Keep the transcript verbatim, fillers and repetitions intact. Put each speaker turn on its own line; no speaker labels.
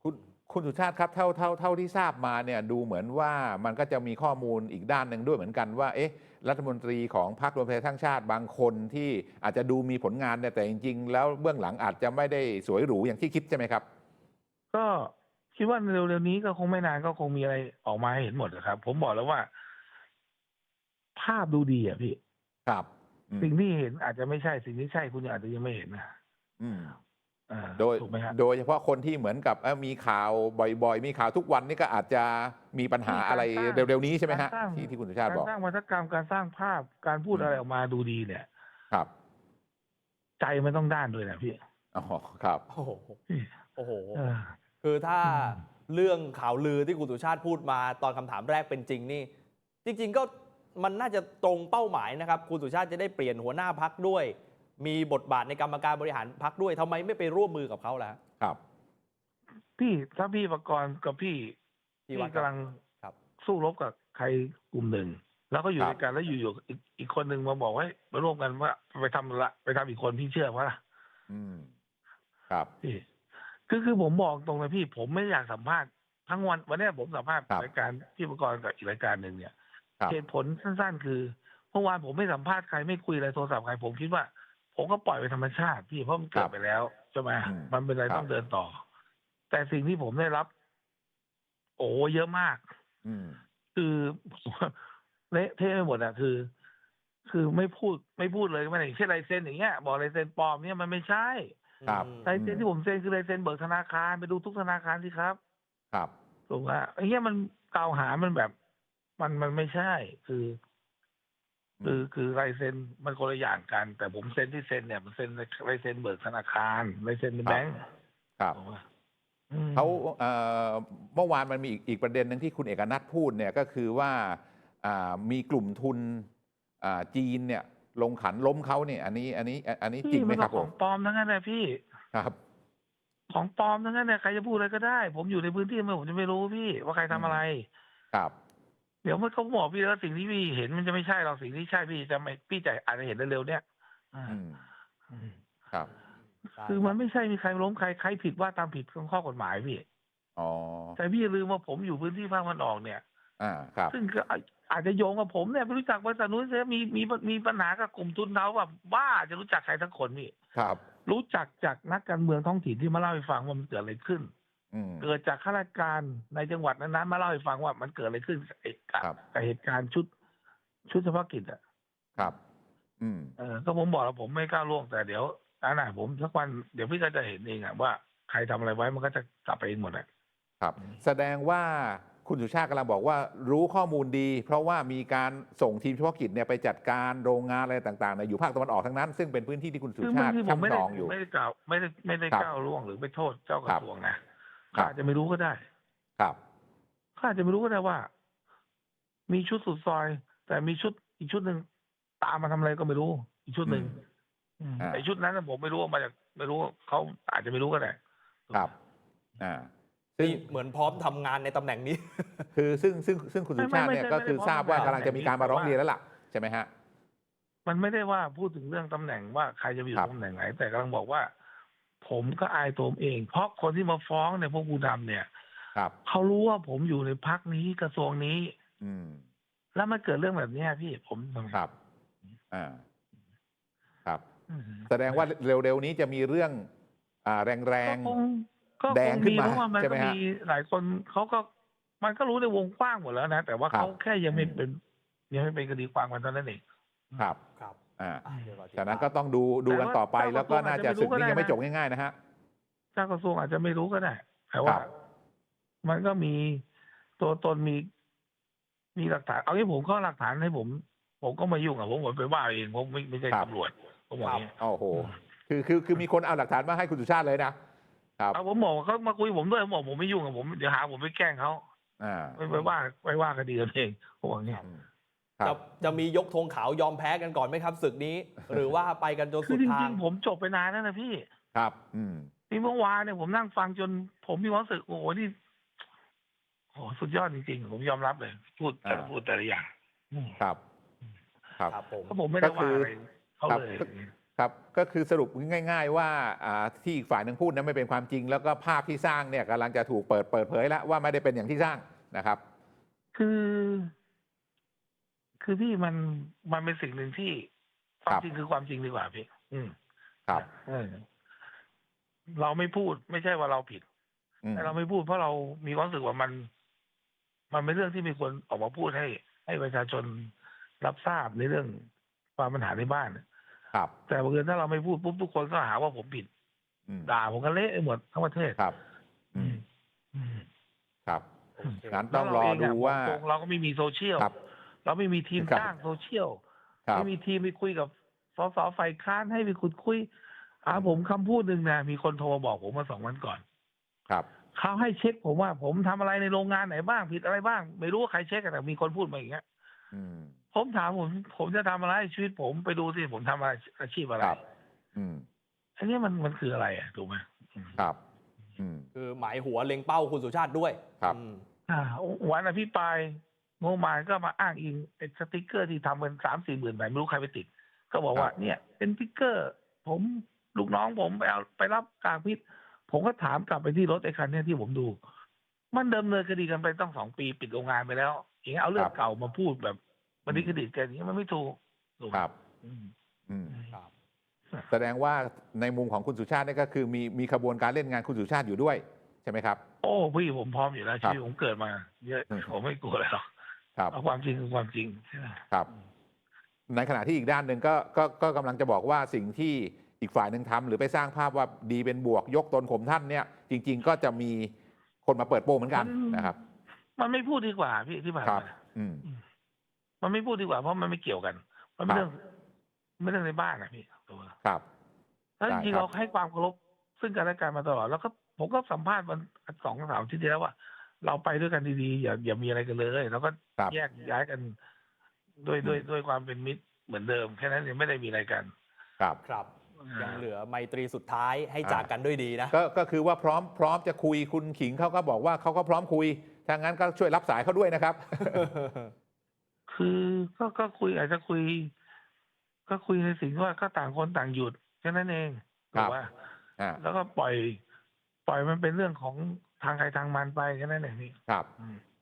คุณคุณสุชาติครับเท่าเท่าเท่าที่ทราบมาเนี่ยดูเหมือนว่ามันก็จะมีข้อมูลอีกด้านหนึ่งด้วยเหมือนกันว่าเอ๊ะรัฐมนตรีของพรรครวมไทยสร้างชาติบางคนที่อาจจะดูมีผลงานเนี่ยแต่จริงๆแล้วเบื้องหลังอาจจะไม่ได้สวยหรูอย่างที่คิดใช่ไหมครับ
ก็คิดว่าเร็วๆนี้ก็คงไม่นานก็คงมีอะไรออกมาให้เห็นหมดนะครับผมบอกแล้วว่าภาพดูดีอ่ะพี่
ครับอืม
สิ่งที่เห็นอาจจะไม่ใช่สิ่งที่ใช่คุณอาจจะยังไม่เห็นนะ
อืม
อ่า
โดย
ถูกไหมฮะ
โดยเฉพาะคนที่เหมือนกับเอ่อมีข่าวบ่อยๆมีข่าวทุกวันนี่ก็อาจจะมีปัญหา
ที่
อะไร
การสร้าง
เร็วๆนี้ใช่ไหมฮะ
การสร้าง
ที่ที่คุณสุชาติบอก
การสร้างวัฒกรรมการสร้างภาพการพูด
อืม
อะไรออกมาดูดีเนี่ย
ครับ
ใจมันต้องด้านด้วยนะพี่
อ๋อครับ
โอ้โห
พี่
โอ้โห
เออ
คือถ้า
อืม
เรื่องข่าวลือที่คุณสุชาติพูดมาตอนคำถามแรกเป็นจริงนี่จริงๆก็มันน่าจะตรงเป้าหมายนะครับคุณสุชาติจะได้เปลี่ยนหัวหน้าพักด้วย มีบทบาทในกรรมการบริหารพักด้วยทำไมไม่ไปร่วมมือกับเขาล่ะ
ครับ
พี่ถ้าพี่ประกรณ์กับพี่
ที่
พี่
วัด
กำลัง
ครับ
สู้รบกับใครกลุ่มหนึ่งแล้วก็อ
ค
ยู่
รับ
ด้วยกันแล้วอยู่ๆอีกอีกคนหนึ่งมาบอกว่ามาร่วมกันว่าไปทำละไปทำอีกคนพี่เชื่อว่าล่ะ
อืมครับ
พี่คือคือผมบอกตรงเลยพี่ผมไม่อยากสัมภาษณ์ทั้งวันวันเนี้ยผมสัมภาษณ์
ครับ
รายการพี่ประกรณ์กับอีกรายการหนึ่งเนี่ย
ครับ
เหตุผลสั้นๆคือเมื่อวานผมไม่สัมภาษณ์ใครไม่คุยอะไรโทรศัพท์ใครผมคิดว่าผมก็ปล่อยไปธรรมชาติพี่เพราะมัน
ครั
เกิด
บ
ไปแล้วใช่ไหม
อืม
มันเป็นอะไร
ครับ
ต้องเดินต่อแต่สิ่งที่ผมได้รับ โอ้เยอะมาก
อืม
คือเละเทะไปหมดอะคือ คือไม่พูดไม่พูดเลยไม่ได้อย่างเช่นลายเซ็นอย่างเงี้ยบอกลายเซ็นปลอมเนี่ยมันไม่ใช่
ครับ
ลาย
อืม
เซ็นที่ผมเซ็นคือลายเซ็นเบิกธนาคารไปดูทุกธนาคารสิครับ
ครับ
ถูกไหมไอ้เงี้ยมันกล่าวหามันแบบมันมันไม่ใช่คือ
อืม
คือคือลายเซ็นมันคนละอย่างกัน แต่ผมเซ็นที่เซ็นเนี่ยมันเซ็นลายเซ็นเบิกธนาคารลายเซ็นใน
ครับ
แบงก์
ครับ
ถูกไหมอืม
เขาเอ่อเมื่อวานมันมีอีกอีกประเด็นหนึ่งที่คุณเอกนัทพูดเนี่ยก็คือว่าอ่ามีกลุ่มทุนอ่าจีนเนี่ยลงขันล้มเขาเนี่ยอันนี้อันนี้อันนี้จ
พี่
ริงไหม
มันก็ของ
ครับผม
ปลอมทั้งนั้นเลยพี่
ครับ
ของปลอมทั้งนั้นเนี่ยใครจะพูดอะไรก็ได้ผมอยู่ในพื้นที่มันผมจะไม่รู้พี่ว่าใคร
อืม
ทำอะไร
ครับ
เดี๋ยวมันเขาบอกพี่แล้วสิ่งที่พี่เห็นมันจะไม่ใช่หรอกสิ่งที่ใช่พี่จะไม่พี่จะอาจจะเห็นเร็วๆเนี่ยอ่า
อืม
อืม
ครับ
ได้
คือ
ครับ
มันไม่ใช่มีใครล้มใครใครผิดว่าตามผิดของข้อกฎหมายพี่
อ๋อ
แต่พี่อย่าลืมว่าผมอยู่พื้นที่ภาคตะวันออกเนี่ย
อ่าครับ
ซึ่งก็อาอาจจะโยงกับผมเนี่ยไม่รู้จักบริษัทนู้นเสียมีมีมีปัญหากับกลุ่มทุนเขาแบบบ้าจะรู้จักใครทั้งคนพี่
ครับ
รู้จักจากนักการเมืองท้องถิ่นที่มาเล่าให้ฟังว่ามันเกิดอะไรขึ้น
อืม
เกิดจากข้าราชการในจังหวัดนั้นๆมาเล่าให้ฟังว่ามันเกิดอะไรขึ้นกับเหตุการณ์
ครับ
กับเหตุการณ์ชุดชุดเฉพาะกิจอ่ะ
ครับอืม
เออก็ผมบอกแล้วผมไม่กล้าล่วงแต่เดี๋ยวอันน่ะผมสักวันเดี๋ยวพี่ก็จะเห็นเองอ่ะว่าใครทำอะไรไว้มันก็จะกลับไปเองหมดอ่ะ
ครับแสดงว่าคุณสุชาติกำลังบอกว่ารู้ข้อมูลดี เพราะว่ามีการส่งทีมเฉพาะกิจเนี่ยไปจัดการโรงงานอะไรต่างๆในอยู่ภาคตะวันออกทั้งนั้นซึ่งเป็นพื้นที่ที่คุณสุ
คือ
ชาติ
บางทีผมไม่
ช่ำช
ได้
องอยู่
ไม่ได้กล่าวไม่ได้ไม่ได้
ครับ
ก้าวล่วงหรือไปโทษเจ้าก
ครับ
ระทรวงนะ
ครั
เขา
บ
อาจจะไม่รู้ก็ได้
ครับ
เขาอาจจะไม่รู้ก็ได้ว่า มีชุดสุดซอย แต่มีชุดอีกชุดหนึ่งตามมาทำอะไรก็ไม่รู้ อีกชุดหนึ่ง
อืม
อืม
อ่า
แต่ชุดนั้นน่ะผมไม่รู้ว่ามาจากไม่รู้เขาอาจจะไม่รู้ก็ได้
ครับอ่าซึ่ง
นี่เหมือนพร้อมทำงานในตำแหน่งนี้
คือซึ่งซึ่งซึ่งคุณสุ
ไม่ไม่
ชาติ
ไม่
เนี่ยก็
ใช่ไม่ได้
คือทราบ
พร้อมทำงาน
ว่ากำลังจะมีการมาร้องเรียน
แต่ว่า
แล้วล่ะใช่ไหมฮะ
มันไม่ได้ว่าพูดถึงเรื่องตำแหน่งว่าใครจะไปอ
ครับ
ยู่ตำแหน่งไหนแต่กำลังบอกว่า ผมก็อายตัวผมเอง เพราะคนที่มาฟ้องเนี่ยพวกผู้ดำเนี่ย
ครับ
เขารู้ว่าผมอยู่ในพักนี้กระทรวงนี้
อืม
แล้วมันเกิดเรื่องแบบเนี้ยพี่ผมทำไง
ครับอ่าครับ
อืม
แสดงว่าเร็วๆนี้จะมีเรื่องอ่าแร
ก็
ง
คงก็
ๆแด
คง
งขึ้นมา
มีเพราะว่ามันก็มี
ใช่ไหมฮะ
หลายคนเขาก็มันก็รู้ในวงกว้างหมดแล้วนะแต่ว่า
ครั
เขา
บ
แค่ยัง
อืม
ไม่เป็นยังไม่เป็นคดีความกันเท่านั้นเอง
ครับ
ครับ
อ่า
อ่ะเดี๋ยวรอติด
จากนั้น
ตาม
ก็ต้องดูดู
แต่ว่า
กันต่อไป
เจ้าก
แล้วก็
ระทรวงอาจจะ
น่าจะศึก
ไม่รู้ก็ได้
นี้ยังไม่จบ
นะ
ง่ายๆนะฮะ
เจ้ากระทรวงอาจจะไม่รู้ก็ได้แต่
ค
ว่า
รับ
มันก็มีตัวตนมีมีหลักฐานเอางี้ผมเข้าหลักฐานให้ผม ผมก็ไม่ยุ่งอ่ะผมผมไปว่าเองผมไม่ไม่ใช่
ครับ
ตำรวจผมบอก
ครับ
อย่างนี้
โอ้โห
อืม
คือคือคือมีคนเอาหลักฐานมาให้คุณสุชาติเลยนะครับ
เอาผมบอกว่าเขามาคุยผมด้วยผมบอกผมไม่ยุ่งกับผมเดี๋ยวหาผมไปแกล้งเขา
อ่า
ไปไปว่าไปว่าคดีกันเองผมบอกอย่างนี้
ครับ
อืมครั
จะ
บ
จะมียกธงขาวยอมแพ้กันก่อนไหมครับศึกนี้ หรือว่าไปกันจน
คือ
สุดทาง
จริงๆผมจบไปนานแล้วนะพี่
ครับอืม
ที่เมื่อวานเนี่ยผมนั่งฟังจนผมมีความรู้สึกโอ้โหนี่โอ้โหสุดยอดจริงๆผมยอมรับเลยพูดแต่ละ
อ่า
พูดแต่ละอย่างอืม
ครับครับ
ครับผม
เพราะผมไม่
ก็คือ
ได้ว่าอะไรเขา
ครับ
เลย
ครับก็คือสรุปง่าย ๆ ว่าอ่าที่อีกฝ่ายหนึ่งพูดนั้นไม่เป็นความจริง แล้วก็ภาพที่สร้างเนี่ยกำลังจะถูกเปิดเปิดเผยแล้วว่าไม่ได้เป็นอย่างที่สร้างนะครับ
คือ คือพี่มันมันเป็นสิ่งหนึ่งที่ค
คว
าม
รับ
จริงคือความจริงดีกว่าพี่ อืม
ครับ
เออเราไม่พูดไม่ใช่ว่าเราผิด
อืม
แต่เราไม่พูดเพราะเรามีความรู้สึกว่ามัน มันเป็นเรื่องที่มีคนออกมาพูดให้ ให้ประชาชนรับทราบในเรื่องความปัญหาในบ้าน
ครับ
แต่บังเอิญถ้าเราไม่พูดปุ๊บทุกคนก็หาว่าผมผิด
อืม
ด่าผมกันเละไปหมดทั้งประเทศ
ครับ
อื
อืม
ม อืม
ครับ
โอเค
งั้น
แล้
ต้
ว
อง
เรา
รอ
เอง
ดู
อะ
ว่า
บอกตรงเราก็ไม่มีโซเชียล
ครับ
เราไม่มีทีม
ครับ
สร้างโซเชียล
ครั
ไม่
บ
มีทีมไปคุยกับสสฝ่ายค้านให้ไปขุดคุยอ่า
อืม
ผมคำพูดหนึ่งนะมีคนโทรมาบอกผมมาสองวันก่อน
ครับ
เขาให้เช็คผมว่า ผมทำอะไรในโรงงานไหนบ้างผิดอะไรบ้าง ไม่รู้ว่าใครเช็คอะแต่มีคนพูดมาอย่างเงี้ย
อืม
ผมถามผม ผมจะทำอะไรชีวิตผมไปดูสิผมทำอะไรอาชีพอะไร
ครับ อืม
อันนี้มันมันคืออะไรอะถูกไหมอืม
ครับ อืม
คือหมายหัวเล็งเป้าคุณสุชาติด้วย
ครับ
อืม
อ่าวันอภิปรายงบประมาณก็มาอ้างอิงไอ้สติกเกอร์ที่ทำกันสามสี่หมื่นใบไม่รู้ใครไปติด ก็บอกว่า
ครับ
เนี่ย เป็นสติกเกอร์ ผมลูกน้องผมไปเอาไปรับกากพิษ ผมก็ถามกลับไปที่รถไอ้คันเนี้ยที่ผมดู มันดำเนินคดีกันไปต้องสองปีปิดโรงงานไปแล้ว อย่างเงี้ยเอาเรื่อ
ค
ง
รับ
เก่ามาพูดแบบมาดิสเครดิตกันอย่างเงี้ยมันไม่ถูกถูกไหม
ครับ
อืม
อืม
ครับ
แสดงว่าในมุมของคุณสุชาตินี่ก็คือมีมีขบวนการเล่นงานคุณสุชาติอยู่ด้วยใช่ไหมครับ
โอ้พี่ผมพร้อมอยู่แล้ว
ครั
ชี
บ
วิตผมเกิดมา เยอะ
อืม
ผมไม่กลัวอะไรหรอก
ครับ
เอาความจริงคือความจริงใช่ไหม
ครับ ในขณะที่อีกด้านหนึ่งก็ก็ก็กำลังจะบอกว่าสิ่งที่อีกฝ่ายหนึ่งทำหรือไปสร้างภาพว่าดีเป็นบวกยกตนข่มท่านเนี่ยจริง ๆ ก็จะมีคนมาเปิดโปงเหมือนกันนะครับ
มันไม่พูดดีกว่าพี่ที่ผ่าน
ครับ
มา
อืม
มันไม่พูดดีกว่าเพราะมันไม่เกี่ยวกัน มันเป็น
ครั
เรื่
บ
องไม่เรื่องในบ้านนะพี่ตัว
ครับ
แล้วจ
ได้
ริงๆ
ครั
เรา
บ
ให้ความเคารพซึ่งกันและกันมาตลอด แล้วก็ผมก็สัมภาษณ์วันสองสามอาทิตย์ที่แล้วว่า เราไปด้วยกันดีๆอย่าอย่ามีอะไรกันเลยแล้วก็
ครับ
แยกย้ายกันด้วย
อืม
ด้วยด้วยความเป็นมิตรเหมือนเดิมแค่นั้นเองไม่ได้มีอะไรกัน
ครับ
ครับ
อ่า
ยังเหลือไมตรีสุดท้ายให้
อ่า
จากกันด้วยดีนะ
ก็ก็คือว่าพร้อมพร้อมจะคุยคุณขิงเขาก็บอกว่าเขาก็พร้อมคุยถ้างั้นก็ช่วยรับสายเขาด้วยนะครับ
คือก็ก็คุยอาจจะคุย ก็คุยในสิ่งที่ว่าก็ต่างคนต่างหยุดแค่นั้นเอง
ครั
ถู
บ
กป่ะ
อ่า
แล้วก็ปล่อย ปล่อยมันเป็นเรื่องของทางใครทางมันไปแค่นั้นเองพี่
ครับ
อืม